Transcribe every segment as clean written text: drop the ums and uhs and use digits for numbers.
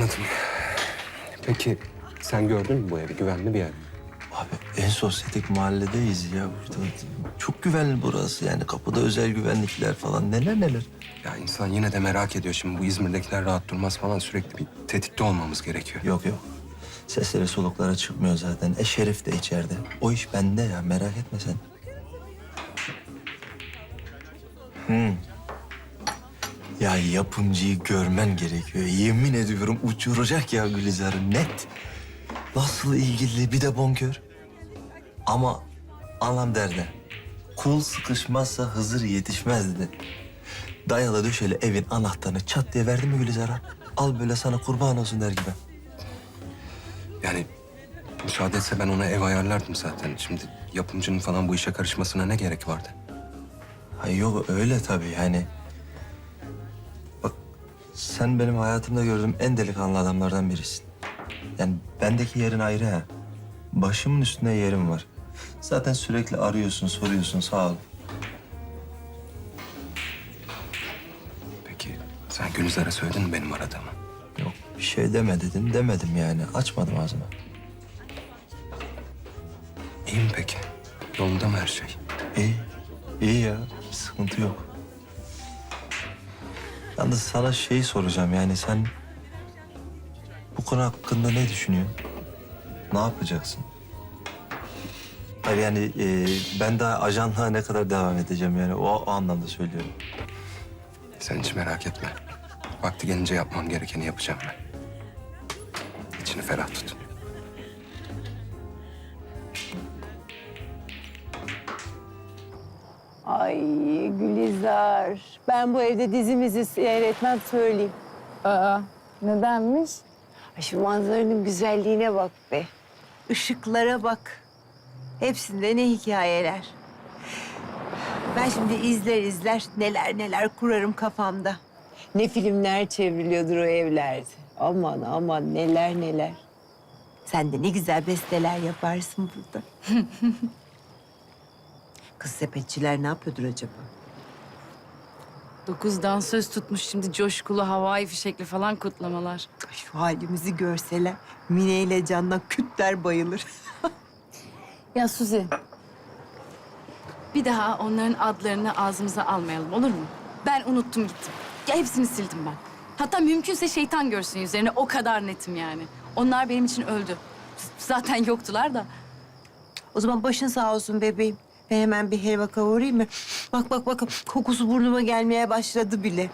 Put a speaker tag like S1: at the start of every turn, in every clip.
S1: Anladım. Peki sen gördün mü bu evi? Güvenli bir yer mi?
S2: Abi en sosyetik mahalledeyiz ya burada. Çok güvenli burası yani. Kapıda özel güvenlikler falan neler neler.
S1: Ya insan yine de merak ediyor. Şimdi bu İzmir'dekiler rahat durmaz falan. Sürekli bir tetikte olmamız gerekiyor.
S2: Yok yok. Sesleri soluklara çıkmıyor zaten. Şerif de içeride. O iş bende ya, merak etme sen. Ya yapımcıyı görmen gerekiyor. Yemin ediyorum uçuracak ya Gülizar'ı net. Nasıl ilgili bir de bonkör. Ama anlam derdi. Kul sıkışmazsa Hızır yetişmez dedi. Dayalı döşeli evin anahtarını çat diye verdi mi Gülizar'a? Al böyle sana kurban olsun der gibi.
S1: Yani müsaade etse ben ona ev ayarlardım zaten. Şimdi yapımcının falan bu işe karışmasına ne gerek vardı?
S2: Ha yok öyle tabii yani. Bak sen benim hayatımda gördüğüm en delikanlı adamlardan birisin. Yani bendeki yerin ayrı ha. Başımın üstünde yerim var. Zaten sürekli arıyorsun, soruyorsun, sağ ol.
S1: Peki sen Gülizar'a söyledin mi benim aradığımı?
S2: Yok bir şey deme dedin, demedim yani. Açmadım ağzımı.
S1: İyi mi peki? Yolunda mı her şey?
S2: İyi, iyi ya. Bir sıkıntı yok. Yalnız sana şeyi soracağım yani sen... Bu konu hakkında ne düşünüyorsun? Ne yapacaksın? Hayır yani ben daha ajanlığa ne kadar devam edeceğim yani o anlamda söylüyorum.
S1: Sen hiç merak etme. Vakti gelince yapmam gerekeni yapacağım ben. İçini ferah tut.
S3: Ay Gülizar, ben bu evde dizimizi seyretmem söyleyeyim.
S4: Aa, nedenmiş?
S3: Ay şu manzaranın güzelliğine bak be. Işıklara bak. Hepsinde ne hikayeler. Ben şimdi izler neler neler kurarım kafamda. Ne filmler çevriliyordur o evlerde. Aman aman neler neler. Sen de ne güzel besteler yaparsın burada. Kız sepetçiler ne yapıyordur acaba?
S4: 9 dansöz tutmuş şimdi coşkulu havai fişekli falan kutlamalar.
S3: Ay, şu halimizi görseler Mine ile Can'dan kütler bayılır.
S4: Ya Suzi, bir daha onların adlarını ağzımıza almayalım olur mu? Ben unuttum gittim. Ya hepsini sildim ben. Hatta mümkünse şeytan görsün yüzlerine o kadar netim yani. Onlar benim için öldü. Zaten yoktular da.
S3: O zaman başın sağ olsun bebeğim. Ben hemen bir helva kavurayım mı? Bak kokusu burnuma gelmeye başladı bile.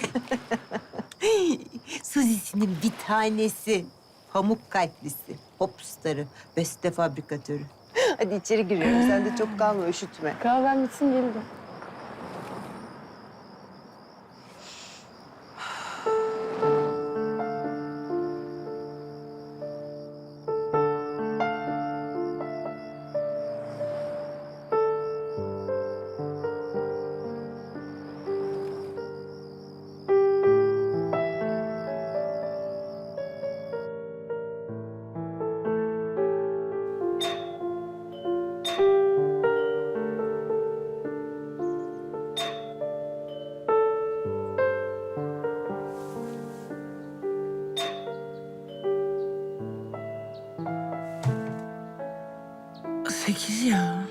S3: Suzi'sinin bir tanesi. Pamuk kalplisi, popstarı, beste fabrikatörü. Hadi içeri giriyorum. Sen de çok kalma, üşütme.
S4: Kahven bitsin geldi.
S3: Sekiz ya.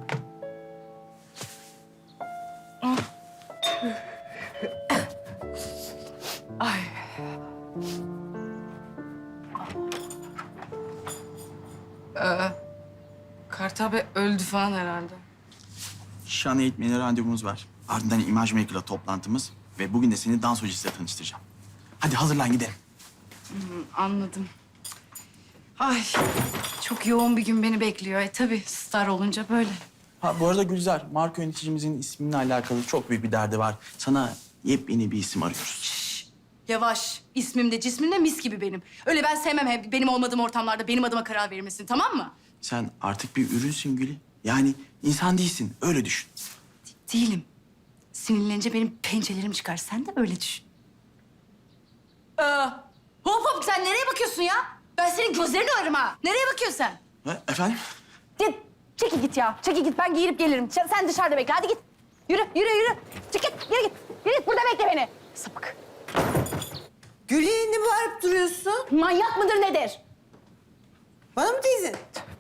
S4: Kartal Bey öldü falan herhalde.
S5: Şan eğitmeni randevumuz var. Ardından imaj maker'la toplantımız ve bugün de seni dans hocasıyla tanıştıracağım. Hadi hazırlan gidelim.
S4: Anladım. Ay, çok yoğun bir gün beni bekliyor. Tabii star olunca böyle.
S5: Ha bu arada Gülzar, marka yöneticimizin isminle alakalı çok büyük bir derdi var. Sana yepyeni bir isim arıyoruz.
S4: Yavaş. İsmim de cismim de mis gibi benim. Öyle ben sevmem hep benim olmadığım ortamlarda benim adıma karar verilmesini, tamam mı?
S5: Sen artık bir ürünsün Gülü. Yani insan değilsin, öyle düşün.
S4: Değilim. Sinirlenince benim pençelerim çıkar. Sen de öyle düşün. Hop hop sen nereye bakıyorsun ya? Ben senin gözlerini ararım ha. Nereye bakıyorsun sen?
S5: Ha, efendim?
S4: Git. Çekil git ya. Çekil git. Ben giyinip gelirim. Sen dışarıda bekle. Hadi git. Yürü. Yürü. Çık git. Yürü git. Yürü git. Burada bekle beni. Sapık.
S3: Gülüye ne bağırıp duruyorsun?
S4: Manyak mıdır nedir?
S3: Bana mı teyze?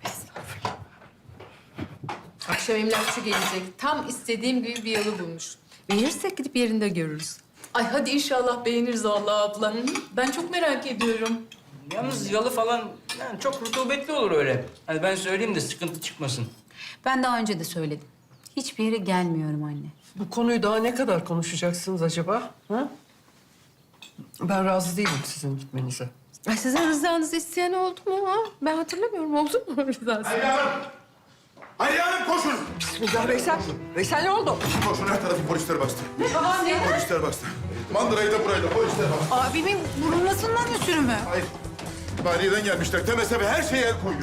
S6: Akşam emlakçı gelecek. Tam istediğim gibi bir yalı bulmuş. Beğenirsek gidip yerinde görürüz. Ay hadi inşallah beğeniriz Allah abla. Ben çok merak ediyorum.
S7: Yalnız yalı falan yani çok rutubetli olur öyle. Hani ben söyleyeyim de sıkıntı çıkmasın.
S6: Ben daha önce de söyledim. Hiçbir yere gelmiyorum anne.
S8: Bu konuyu daha ne kadar konuşacaksınız acaba? Ha? Ben razı değilim sizin gitmenize.
S6: Ay sizin rızanızı isteyen oldu mu ha? Ben hatırlamıyorum. Oldu mu rızası?
S9: Hayriye Hanım koşun!
S8: Bismillah Veysel. Veysel ne oldu?
S9: Koşun her tarafı polisler bastı. Polisler bastı. Mandırayı da burayı da polisler bastı.
S3: Abimin vurulmasından ötürü mü?
S9: Hayır. Maliyeden gelmişler. Temese ve her şeye el koyuyor.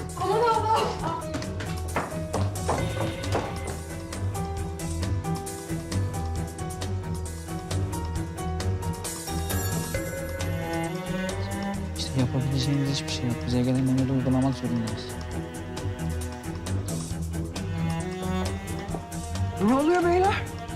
S10: İşte yapabileceğimiz hiçbir şey yok. Bize gelen menüde uygulamak zorundayız.
S8: Ne oluyor beyler?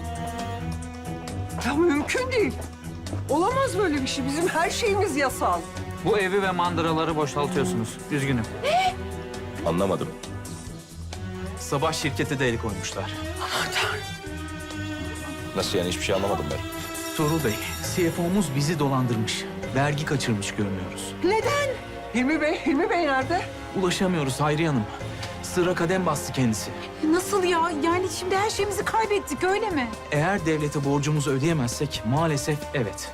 S8: Ya mümkün değil. Olamaz böyle bir şey. Bizim her şeyimiz yasal.
S10: Bu evi ve mandıraları boşaltıyorsunuz. Üzgünüm.
S9: Anlamadım.
S5: Sabah şirkete de el koymuşlar.
S9: Nasıl yani hiçbir şey anlamadım ben.
S5: Tuğrul Bey, CFO'muz bizi dolandırmış. Vergi kaçırmış görünüyoruz.
S8: Hilmi Bey nerede?
S5: Ulaşamıyoruz Hayriye Hanım. Sıra kadem bastı kendisi.
S3: Nasıl ya? Yani şimdi her şeyimizi kaybettik öyle mi?
S5: Eğer devlete borcumuzu ödeyemezsek maalesef evet.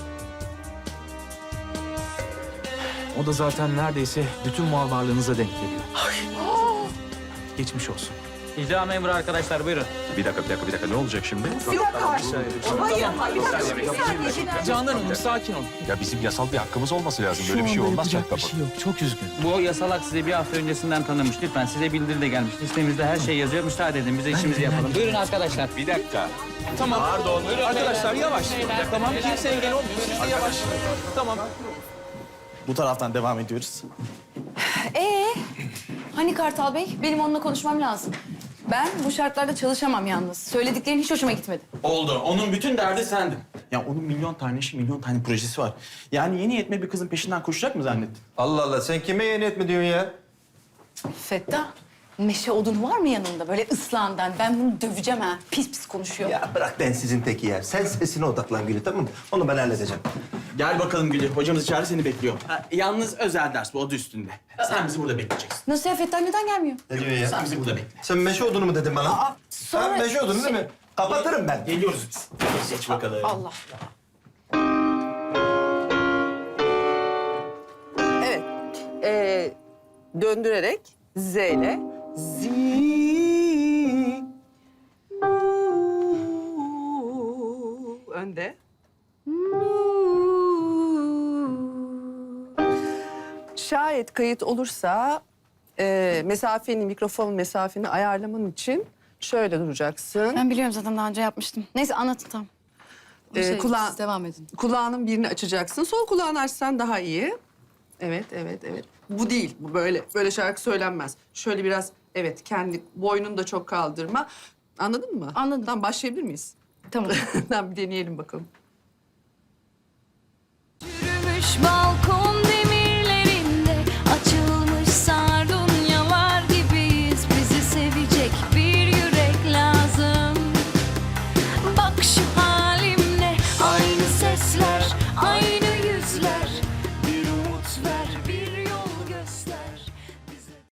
S5: O da zaten neredeyse bütün mal varlığınıza denk geliyor. Geçmiş olsun.
S10: İcra memuru arkadaşlar buyurun.
S9: Bir dakika. Ne olacak şimdi?
S8: Bir dakika. Hayır, bir dakika. Bir saniye.
S5: Canan Hanım sakin olun.
S9: Ya bizim yasal bir hakkımız olması lazım.
S5: Şu anda yapacak bir şey yok. Çok üzgün.
S10: Bu yasalak size bir hafta öncesinden tanınmış. Lütfen size bildiri de gelmiş. Listemizde her şey yazıyor. Müsaade edin bize işimizi yapalım. Buyurun arkadaşlar.
S9: Bir dakika.
S5: Tamam. Pardon. Arkadaşlar yavaş. Tamam. Kimse engel olmuyor. Siz de yavaş. Tamam. Bu taraftan devam ediyoruz.
S4: Hani Kartal Bey? Benim onunla konuşmam lazım. Ben bu şartlarda çalışamam yalnız. Söylediklerin hiç hoşuma gitmedi.
S5: Oldu. Onun bütün derdi sendin. Ya onun milyon tane işi, milyon tane projesi var. Yani yeni yetme bir kızın peşinden koşacak mı zannettin?
S2: Allah Allah sen kime yeni etme diyorsun ya?
S4: Fettah, meşe odun var mı yanında böyle ıslağından? Ben bunu döveceğim ha. Pis pis konuşuyor.
S2: Ya bırak ben sizin teki ya. Sen sesine odaklan Gülü tamam mı? Onu ben halledeceğim.
S5: Gel bakalım Gülü. Hocamız içeride seni bekliyor. Yalnız özel ders bu adı üstünde. Sen bizi burada bekleyeceksin.
S4: Nasıl ya Fettah neden gelmiyor?
S2: Ne diyorsun ya?
S5: Sen bizi burada bekle.
S2: Sen meşe odunu mu dedin bana?
S4: sonra-
S2: Sen meşe odunu değil mi? Kapatırım ben.
S5: Geliyoruz biz. Geç bakalım.
S4: Allah.
S8: Evet. Döndürerek Z ile. Önde. Şayet kayıt olursa mikrofon mesafeni ayarlaman için şöyle duracaksın.
S4: Ben biliyorum zaten daha önce yapmıştım. Neyse anlatın tamam. Siz devam edin.
S8: Kulağının birini açacaksın. Sol kulağını açsan daha iyi. Evet. Bu değil. Bu böyle şarkı söylenmez. Şöyle biraz kendi boynunu da çok kaldırma. Anladın mı?
S4: Anladım.
S8: Tamam başlayabilir miyiz?
S4: Tamam.
S8: Tamam bir deneyelim bakalım.
S11: Yürümüş balkon